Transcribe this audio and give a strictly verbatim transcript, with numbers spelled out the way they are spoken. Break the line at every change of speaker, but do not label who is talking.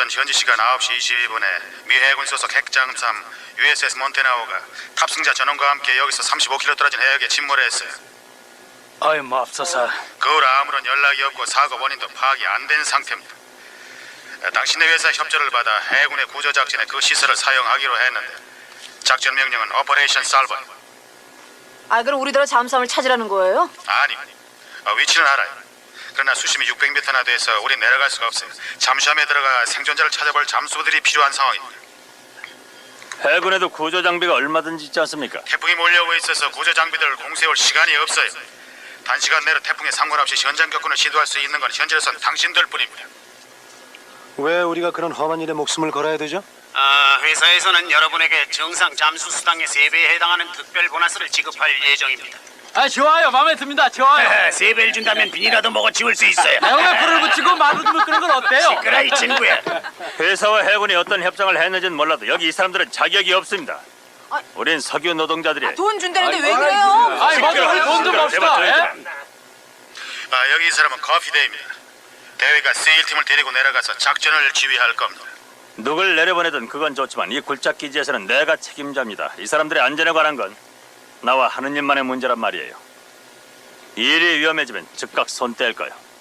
전 현지 시간 아홉 시 이십이 분에 미 해군 소속 핵잠수함 유에스에스 몬테나오가 탑승자 전원과 함께 여기서 삼십오 킬로미터 떨어진 해역에 침몰했어요.
아이 맙소사.
그 후로 아무런 연락이 없고 사고 원인도 파악이 안 된 상태입니다. 당신네 회사 협조를 받아 해군의 구조 작전에 그 시설을 사용하기로 했는데 작전 명령은 오퍼레이션 살버.
아, 그럼 우리들은 잠수함을 찾으라는 거예요?
아니, 어, 위치는 알아요. 그러나 수심이 육백 미터나 돼서 우린 내려갈 수가 없어요. 잠수함에 들어가 생존자를 찾아볼 잠수부들이 필요한 상황입니다.
해군에도 구조 장비가 얼마든지 있지 않습니까?
태풍이 몰려오고 있어서 구조 장비들을 공세울 시간이 없어요. 단시간 내로 태풍에 상관없이 현장 격군을 시도할 수 있는 건 현재로선 당신들뿐입니다.
왜 우리가 그런 험한 일에 목숨을 걸어야 되죠?
아, 회사에서는 여러분에게 정상 잠수 수당의 세 배에 해당하는 특별 보너스를 지급할 예정입니다.
아, 좋아요. 마음에 듭니다. 좋아요.
세 배를 준다면 비니라도 먹어 치울 수 있어요.
내가 불을 붙이고 마루를 끄는 건 어때요?
시끄러 이 친구야.
회사와 해군이 어떤 협정을 했는지는 몰라도 여기 이 사람들은 자격이 없습니다.
아,
우린 석유 노동자들이.
돈 준다는데 왜 그래요?
아이, 먼저 우리 돈 좀 봅시다. 예?
아, 여기 이 사람은 커피데이입니다. 대회가 세일팀을 데리고 내려가서 작전을 지휘할 겁니다.
누굴 내려보내든 그건 좋지만 이 굴착 기지에서는 내가 책임자입니다. 이 사람들의 안전에 관한 건 나와 하느님만의 문제란 말이에요. 일이 위험해지면 즉각 손 뗄 거요.